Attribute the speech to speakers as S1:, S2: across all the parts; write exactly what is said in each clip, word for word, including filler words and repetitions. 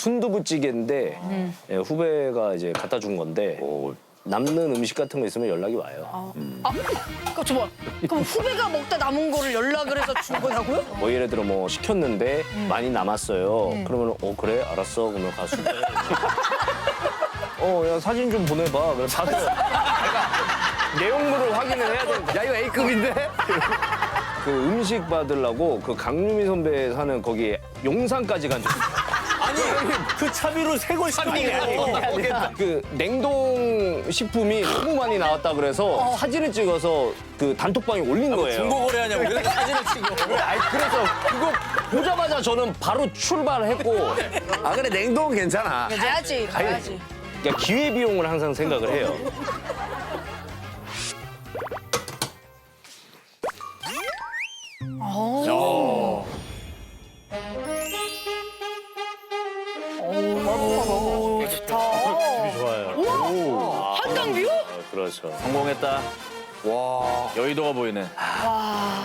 S1: 순두부찌개인데
S2: 음.
S1: 예, 후배가 이제 갖다 준 건데 뭐 남는 음식 같은 거 있으면 연락이 와요.
S2: 아, 그럼 저 뭐, 그럼 후배가 먹다 남은 거를 연락을 해서 준 거냐고요?
S1: 뭐 예를 들어 뭐 시켰는데 많이 남았어요. 그러면 어 그래 알았어 그러면 가서 어 야 사진 좀 보내봐. 그래 다들 내용물을 확인을 해야 되는데 야 이거 A급인데? 그 음식 받으려고 그 강유미 선배 사는 거기 용산까지 간 적.
S3: 아니 그 차비로 세골 시키고
S1: 그 냉동 식품이 너무 많이 나왔다 그래서 사진을 찍어서 그 단톡방에 올린 거예요.
S3: 중고 거래하냐고 왜 사진을 찍어.
S1: 아니 그래서 그거 보자마자 저는 바로 출발했고
S4: 아 근데 냉동은 괜찮아.
S2: 가야지, 가야지.
S1: 그러니까 기회 비용을 항상 생각을 해요.
S2: 어. 오, 좋다.
S1: 좋아요.
S2: 우와, 한강뷰?
S1: 그렇죠.
S3: 성공했다.
S4: 와.
S3: 여의도가 보이네.
S2: 와.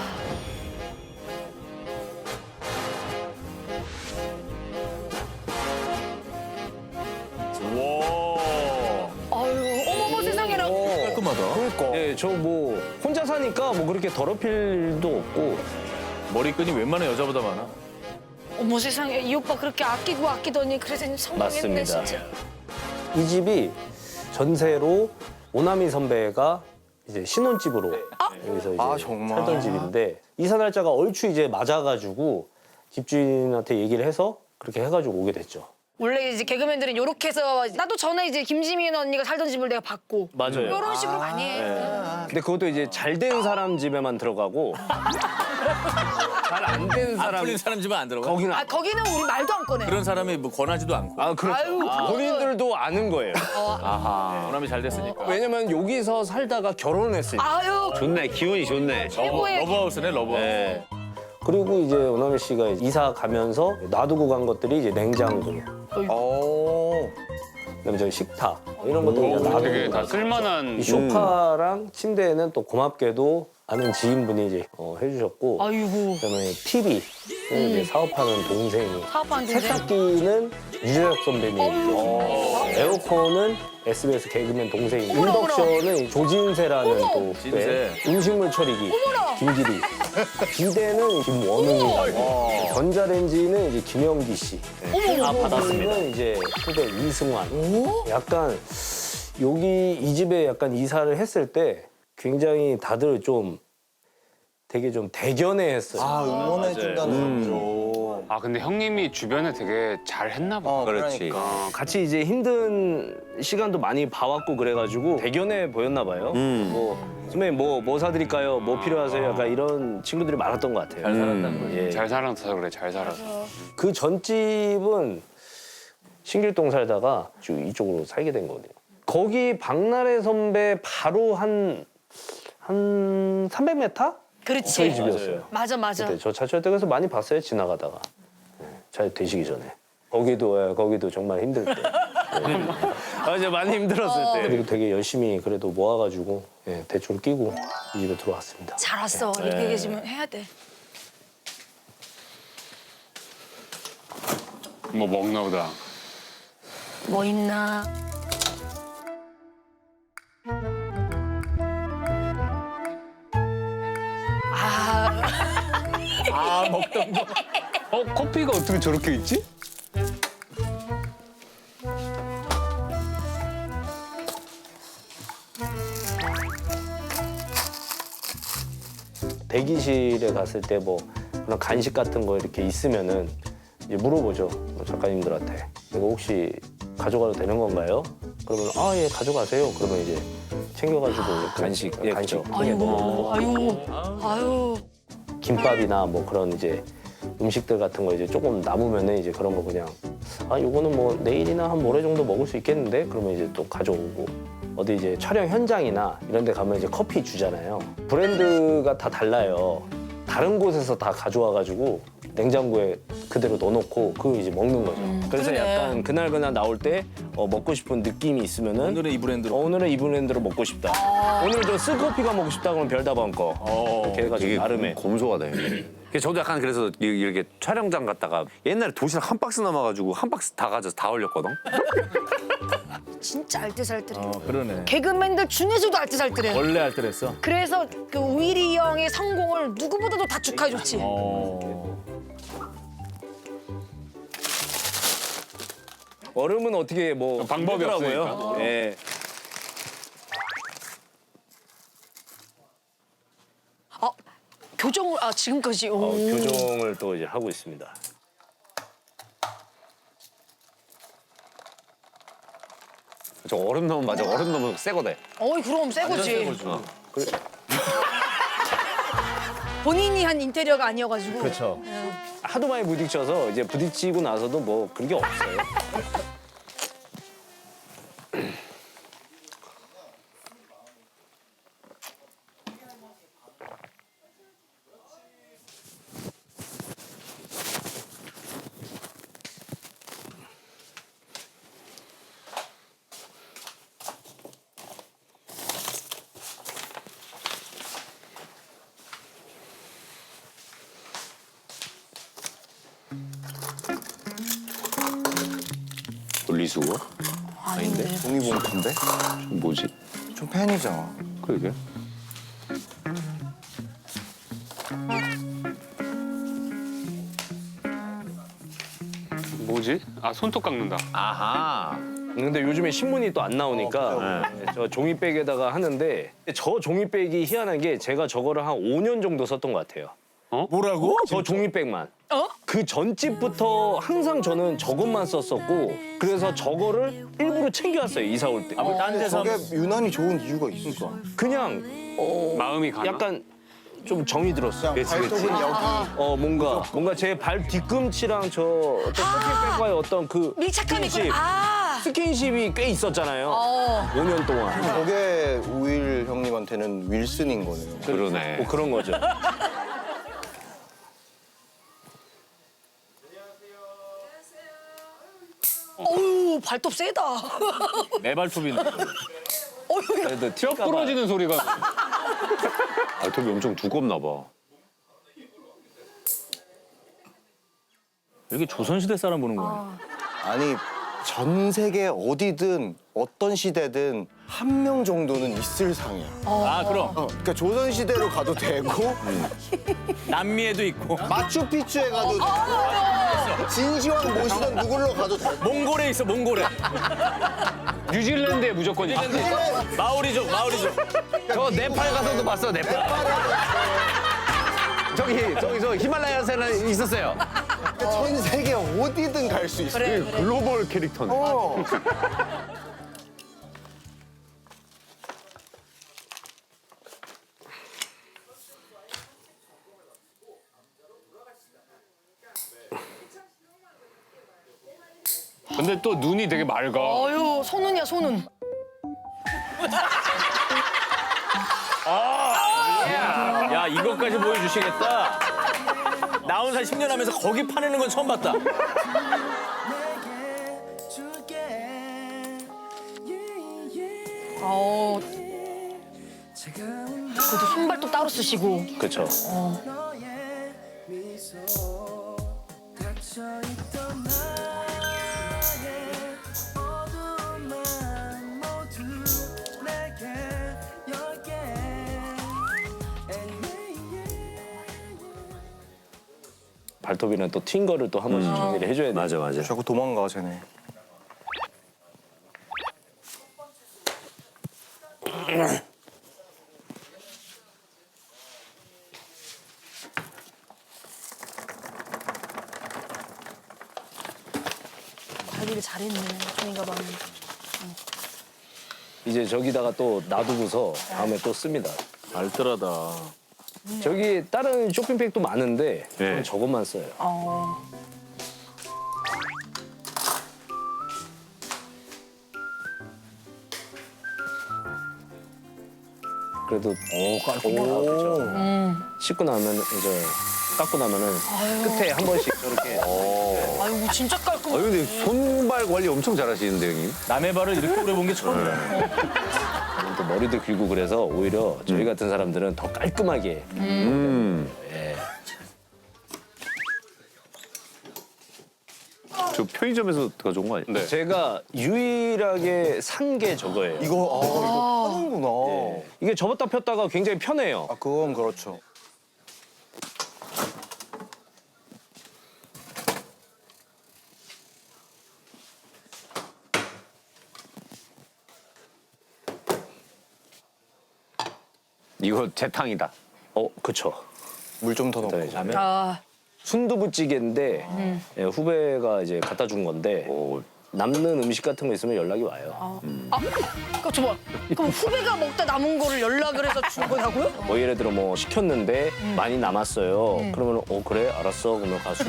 S3: 와.
S2: 아유, 어머머 세상에나.
S3: 깔끔하다.
S4: 그러니까.
S1: 예, 저 뭐 혼자 사니까 뭐 그렇게 더럽힐 일도 없고
S3: 머리끈이 웬만한 여자보다 많아.
S2: 어머 세상에, 이 오빠 그렇게 아끼고 아끼더니 그래서 성공했네,
S1: 맞습니다.
S2: 진짜.
S1: 이 집이 전세로 오나미 선배가 이제 신혼집으로 여기서 이제
S4: 아, 정말?
S1: 살던 집인데 이사 날짜가 얼추 이제 맞아가지고 집주인한테 얘기를 해서 그렇게 해가지고 오게 됐죠.
S2: 원래 이제 개그맨들은 요렇게 해서 나도 전에 이제 김지민 언니가 살던 집을 내가 봤고
S1: 맞아요.
S2: 이런 식으로 많이 해.
S1: 근데 그것도 이제 잘 된 사람 집에만 들어가고 잘 안 된
S3: 안
S1: 사람
S3: 풀린 사람 집은 안 들어가.
S1: 거기는
S2: 아, 거기는 우리 말도 안 꺼내.
S3: 그런 사람이 뭐 권하지도 않고.
S1: 아 그렇죠.
S2: 아유,
S1: 본인들도 아는 거예요.
S3: 아하. 원함이 잘 됐으니까.
S1: 왜냐면 여기서 살다가 결혼했으니까.
S2: 아유,
S4: 좋네 기운이 좋네.
S2: 최고의
S3: 러브하우스네 러브하우스.
S1: 네. 그리고 이제 오나미 씨가 이사 가면서 놔두고 간 것들이 이제 냉장고,
S4: 오.
S1: 그다음에 저기 식탁 이런 것들 그냥 놔두고
S5: 되게 다
S1: 갔죠.
S5: 쓸만한
S1: 이 소파랑 침대에는 또 고맙게도 아는 지인분이 이제 어, 해주셨고
S2: 아이고.
S1: 그다음에 티비 는 이제 사업하는 동생이
S2: 사업하는 동생.
S1: 세탁기는 유재석 선배님이 또 에어컨은 에스비에스 개그맨 동생이
S2: 어머나,
S1: 인덕션은 조진세라는
S2: 어머.
S1: 또
S3: 진세.
S1: 네, 음식물 처리기
S2: 어머나.
S1: 김기리 비대는 김원웅이라고 전자레인지는 이제 김영기 씨
S2: 어머,
S1: 아
S2: 어머.
S1: 받았습니다. 이제 후배 이승환 약간 여기 이 집에 약간 이사를 했을 때 굉장히 다들 좀 되게 좀 대견해했어요.
S4: 아 응원해준다는 의미로.
S5: 아 근데 형님이 주변에 되게 잘 했나 봐.
S4: 어 그렇지.
S5: 그러니까.
S1: 어, 같이 이제 힘든 시간도 많이 봐왔고 그래가지고 대견해 보였나 봐요.
S4: 음.
S1: 뭐 선배님 뭐 뭐 사드릴까요? 뭐 필요하세요? 약간 이런 친구들이 많았던 것 같아요.
S3: 잘 살았다는 거지.
S1: 예.
S5: 잘 살아서 그래 잘 살아서.
S1: 그 전집은 신길동 살다가 쭉 이쪽으로 살게 된 거거든요. 거기 박나래 선배 바로 한 한 삼백 미터?
S2: 그렇지.
S1: 저희 집이었어요.
S2: 맞아, 맞아.
S1: 그때 저 차철 때 그래서 많이 봤어요 지나가다가 네, 잘 되시기 전에 거기도 예, 거기도 정말 힘들 때 네. 아 이제 많이 힘들었을 때 그리고 되게 열심히 그래도 모아가지고 예, 대출 끼고 이 집에 들어왔습니다.
S2: 잘 왔어. 이렇게 계시면 해야 돼.
S5: 뭐 먹나 보다.
S2: 뭐 있나? 아,
S3: 아 먹던 거.
S5: 어 커피가 어떻게 저렇게 있지?
S1: 대기실에 갔을 때 뭐 그런 간식 같은 거 이렇게 있으면은 이제 물어보죠 작가님들한테 이거 혹시 가져가도 되는 건가요? 그러면 아 예 가져가세요. 그러면 이제 챙겨가지고 간식 예, 간식
S2: 아이고, 아이고, 아유.
S1: 김밥이나 뭐 그런 이제 음식들 같은 거 이제 조금 남으면은 이제 그런 거 그냥 아 요거는 뭐 내일이나 한 모레 정도 먹을 수 있겠는데 그러면 이제 또 가져오고 어디 이제 촬영 현장이나 이런 데 가면 이제 커피 주잖아요. 브랜드가 다 달라요. 다른 곳에서 다 가져와 가지고 냉장고에 그대로 넣어놓고 그거 이제 먹는 거죠. 그래서
S2: 그러네.
S1: 약간 그날 그날 나올 때 어, 먹고 싶은 느낌이 있으면은
S3: 오늘은 이 브랜드로.
S1: 어, 오늘은 이 브랜드로 먹고 싶다. 오늘 저 쓰커피가 먹고 싶다 그러면 별다방 거.
S3: 어.
S1: 이렇게 해가지고
S4: 되게
S1: 나름의
S4: 검소하다 형님. 저도 약간 그래서 이- 이렇게 촬영장 갔다가 옛날에 도시락 한 박스 남아가지고 한 박스 다 가져서 다 올렸거든.
S2: 진짜 알뜰살뜰해.
S3: 어, 그러네.
S2: 개그맨들 중에서도 알뜰살뜰해.
S3: 원래 알뜰했어.
S2: 그래서 그 우일이 형의 성공을 누구보다도 다 축하해줬지.
S3: 어.
S1: 얼음은 어떻게 뭐
S5: 방법이
S1: 하더라고요.
S5: 없으니까.
S1: 예.
S2: 아 교정을 아 지금까지.
S1: 어,
S2: 오.
S1: 교정을 또 이제 하고 있습니다.
S4: 저 얼음 넣으면 맞아. 얼음 넣으면 새 거돼.
S2: 어이 그럼 새 거지.
S1: 어.
S2: 본인이 한 인테리어가 아니어가지고.
S1: 그렇죠. 하도 많이 부딪혀서 이제 부딪히고 나서도 뭐 그런 게 없어요.
S4: 분리수거?
S2: 아닌데.
S4: 종이봉투인데? 뭐지?
S6: 좀 팬이잖아.
S4: 그러게.
S5: 뭐지? 아 손톱 깎는다.
S4: 아하.
S1: 근데 요즘에 신문이 또 안 나오니까 네, 저 종이백에다가 하는데 저 종이백이 희한한 게 제가 저거를 한 오 년 정도 썼던 것 같아요.
S3: 뭐라고?
S1: 저 종이백만.
S2: 어?
S1: 그 전집부터 항상 저는 저것만 썼었고 그래서 저거를 일부러 챙겨왔어요 이사 올 때.
S3: 딴 데서
S6: 저게 유난히 좋은 이유가 있어.
S1: 그냥 어,
S5: 마음이 가나?
S1: 약간 좀 정이 들었어.
S6: 그냥 발톱은 여기.
S1: 어 뭔가 뭔가 제 발 뒤꿈치랑 저 어떤 쇼핑백과의 어떤 그
S2: 밀착감이
S1: 스킨십,
S2: 있구나. 아.
S1: 스킨십이 꽤 있었잖아요.
S2: 어.
S1: 오 년 동안.
S6: 저게 우일 형님한테는 윌슨인 거네요.
S4: 그러네.
S1: 뭐 그런 거죠.
S2: 어우 발톱 세다.
S3: 내 발톱인데.
S2: 어휴.
S1: 그래도
S5: 뼈
S1: 튈까 봐.
S5: 부러지는 소리가.
S4: 발톱이 엄청 두껍나 봐.
S3: 이렇게 조선시대 사람 보는 거야.
S6: 아니 전 세계 어디든 어떤 시대든 한 명 정도는 있을 상이야.
S3: 아, 그럼.
S6: 어, 그러니까 조선 시대로 가도 되고
S3: 남미에도 있고.
S6: 마추픽추에 가도 되고 진시황 모시던 누굴로 가도 되고.
S3: 몽골에 있어, 몽골에.
S5: 뉴질랜드에 무조건 있어.
S3: 마오리족, 마오리족.
S4: 저 네팔 가서도 봤어. 네팔. 저기 저기 저 히말라야산에 있었어요.
S6: 그러니까 전 세계 어디든 갈 수 있어.
S2: 그래, 그래.
S4: 글로벌 캐릭터네.
S6: 어.
S5: 근데 또 눈이 되게 맑아.
S2: 어휴 손은이야 손은.
S3: 야, 이것까지 보여주시겠다. 나온 지 십 년 하면서 거기 파내는 건 처음 봤다.
S2: 어. 그것도 손발톱 따로 쓰시고.
S1: 그렇죠. 발톱이랑 또 튄 거를 또 한 번씩 정리를 해줘야 돼.
S4: 맞아 맞아.
S6: 자꾸 도망가 쟤네.
S2: 관리를 잘했네 종이 가방은.
S1: 이제 저기다가 또 놔두고서 다음에 또 씁니다.
S3: 알뜰하다.
S1: 저기 다른 쇼핑백도 많은데
S4: 네.
S1: 저는 저것만 써요.
S2: 어.
S1: 그래도 오 깔끔하다. 그렇죠. 씻고 나면 이제 깎고 나면은 끝에 한 번씩 저렇게
S2: 아유 진짜 깔끔.
S4: 아 근데 손발 관리 엄청 잘하시는데 형님.
S3: 남의 발을 이렇게 오래 본 게 처음이야.
S1: 또 머리도 길고 그래서 오히려 저희 같은 사람들은 더 깔끔하게
S4: 음. 저 편의점에서 가져온 거 아니에요?
S5: 네.
S1: 제가 유일하게 산 게 저거예요.
S6: 이거 아, 이거 하는구나.
S1: 예. 이게 접었다 폈다가 굉장히 편해요.
S6: 아 그건 그렇죠.
S4: 이거 재탕이다.
S1: 어, 그쵸.
S6: 물 좀 더 넣고.
S1: 네, 자면
S2: 아,
S1: 순두부찌개인데 예, 후배가 이제 갖다 준 건데 남는 음식 같은 거 있으면 연락이 와요.
S2: 아, 그 저봐. 그럼 후배가 먹다 남은 거를 연락을 해서 준 거냐고요?
S1: 뭐 예를 들어 뭐 시켰는데 많이 남았어요. 그러면 어 그래 알았어 그러면 가수.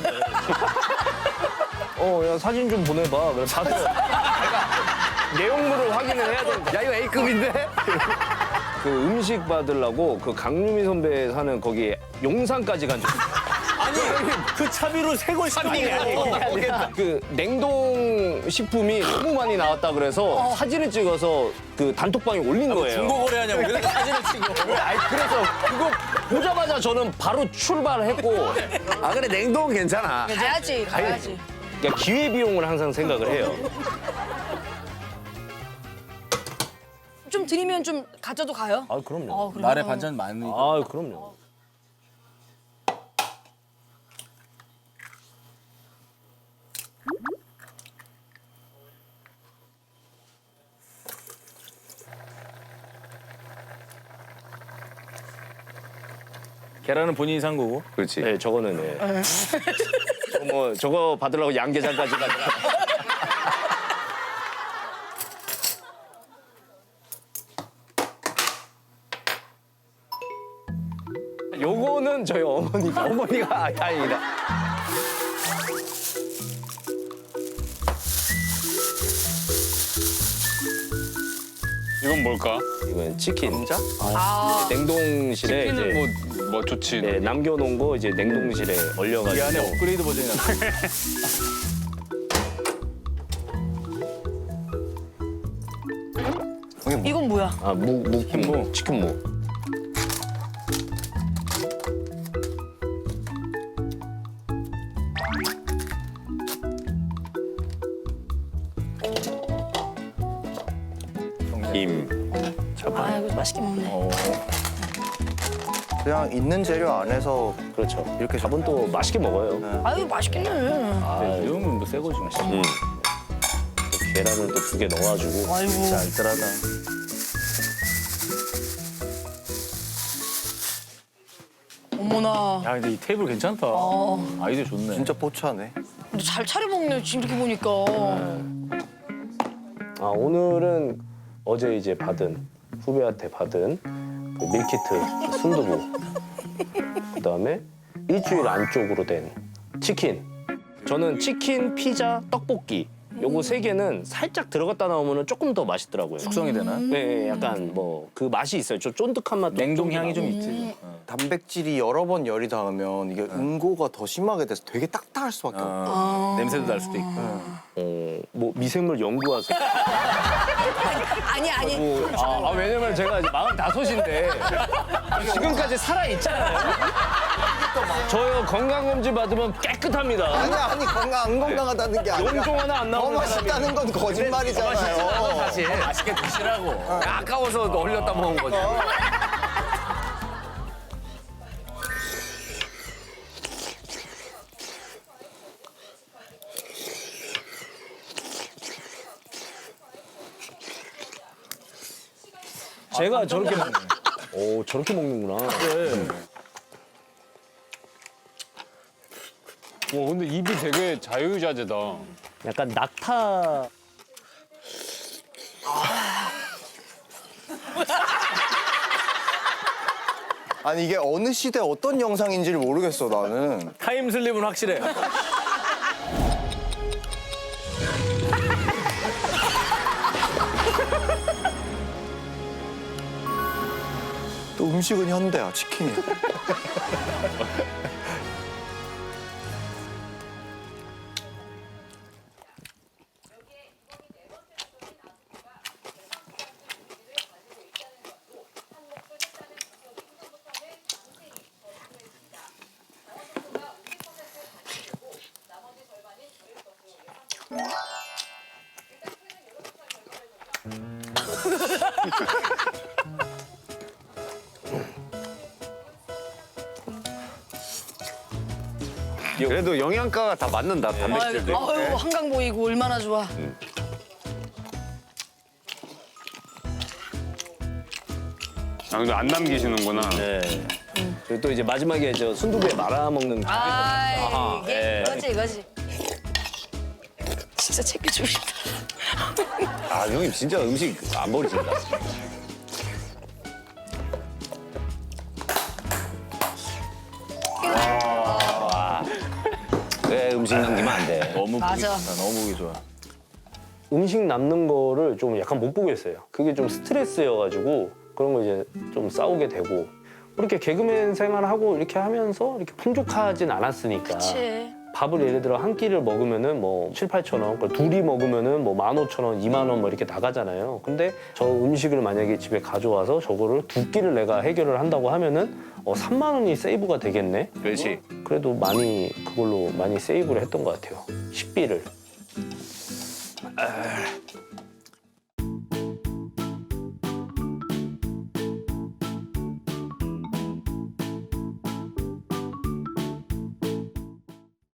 S1: 어야 사진 좀 보내봐. 그래서 봐서 내가 내용물을 확인을 해야 되는데.
S4: 야 이거 A급인데?
S1: 그 음식 받으려고 그 강유미 선배 사는 거기 용산까지 간 적.
S3: 아니 그 차비로 세 걸 시키는 게 아니고.
S1: 그 냉동 식품이 너무 많이 나왔다 그래서 사진을 찍어서 그 단톡방에 올린 거예요.
S3: 중고 거래하냐고 그래서 사진을 찍어.
S1: 아니 그래서 그거 보자마자 저는 바로 출발했고
S4: 아 그래 냉동은 괜찮아.
S2: 가야지, 가야지.
S1: 그러니까 기회 비용을 항상 생각을 해요.
S2: 좀 드리면 좀 가져도 가요?
S1: 아 그럼요.
S2: 어, 그래요?
S3: 날에 반찬 많으니까.
S1: 아 그럼요.
S3: 계란은 본인이 산 거고.
S4: 그렇지.
S1: 네 저거는 네. 저거 뭐 저거 받으려고 양계장까지 가더라. 요거는 저희 어머니가 어머니가 다행이다.
S5: 이건 뭘까?
S1: 이건 치킨. 감자?
S2: 아,
S1: 냉동실에
S5: 치킨은
S1: 이제
S5: 뭐, 뭐 좋지.
S1: 네, 남겨놓은 거 이제 냉동실에 얼려가지고.
S3: 이 안에 업그레이드 버전이 나.
S2: 이건 뭐야?
S1: 아, 무, 무, 치킨무. 치킨무.
S4: 김.
S2: 아, 이거 맛있게 먹네.
S6: 그냥 있는 재료 안에서
S1: 그렇죠. 이렇게 잡은 또 맛있게 먹어요.
S2: 아유, 맛있겠네.
S1: 아,
S3: 이 형은 뭐새 거지.
S1: 음. 또 계란을 또 두 개 넣어가지고.
S2: 아이고.
S1: 진짜 알뜰하다.
S2: 어머나.
S3: 야 근데 이 테이블 괜찮다.
S2: 어.
S3: 아이디어 좋네.
S6: 진짜 포차네.
S2: 근데 잘 차려 먹네, 지금 이렇게 보니까.
S1: 아, 오늘은 어제 이제 받은, 후배한테 받은 그 밀키트 순두부. 그 다음에 일주일 안쪽으로 된 치킨. 저는 치킨, 피자, 떡볶이. 요거 세 개는 살짝 들어갔다 나오면 조금 더 맛있더라고요.
S3: 숙성이 되나?
S1: 네, 약간 뭐 그 맛이 있어요. 좀 쫀득한 맛도
S3: 냉동
S1: 좀
S3: 향이 좀
S1: 나고.
S3: 있지.
S6: 단백질이 여러 번 열이 닿으면 이게 응고가 더 심하게 돼서 되게 딱딱할 수밖에 없고.
S3: 어. 냄새도 날 수도 있고.
S1: 어, 뭐 미생물 연구하세요?
S2: 아니, 아니.
S1: 뭐, 아, 아, 왜냐면 제가 이제 마흔다섯인데 지금까지 살아 있잖아요. 저요 건강검진 받으면 깨끗합니다.
S6: 아니 아니 건강 안 건강하다는 게 아니라
S1: 용종 하나 안
S6: 더
S1: 나오는
S6: 맛있다는 건 거짓말이잖아요.
S4: 사실
S3: 맛있게 드시라고.
S4: 아까워서 얼렸다 먹은 거지.
S1: 제가 저렇게 먹... 오 저렇게 먹는구나.
S5: 와 근데 입이 되게 자유자재다.
S1: 약간 낙타.
S6: 아니 이게 어느 시대 어떤 영상인지를 모르겠어 나는.
S3: 타임슬립은 확실해.
S6: 또 음식은 현대야 치킨이야.
S4: 그래도 영양가가 다 맞는다. 단백질도.
S2: 아유, 아유 한강 보이고 얼마나 좋아.
S5: 아, 근데 안 남기시는구나.
S3: 네.
S1: 그리고 또 이제 마지막에 저 순두부에 말아 먹는
S2: 아 이게
S3: 예.
S2: 이거지 이거지. 진짜 챙겨주고 싶다.
S4: 아 형님 진짜 음식 안 버리신다. 왜 음식 남기면 안 돼?
S3: 너무
S2: 맞아.
S3: 보기 좋다. 너무 보기 좋아.
S1: 음식 남는 거를 좀 약간 못 보겠어요. 그게 좀 스트레스여가지고 그런 거 이제 좀 싸우게 되고 이렇게 개그맨 생활하고 이렇게 하면서 이렇게 풍족하진 않았으니까
S2: 그치.
S1: 밥을 예를 들어 한 끼를 먹으면은 뭐 칠, 팔천 원, 그걸 둘이 먹으면은 뭐 만 오천 원, 이만 원 뭐 이렇게 나가잖아요. 근데 저 음식을 만약에 집에 가져와서 저거를 두 끼를 내가 해결을 한다고 하면은 어, 삼만 원이 세이브가 되겠네.
S4: 그렇지.
S1: 그래도 많이 그걸로 많이 세이브를 했던 것 같아요. 식비를.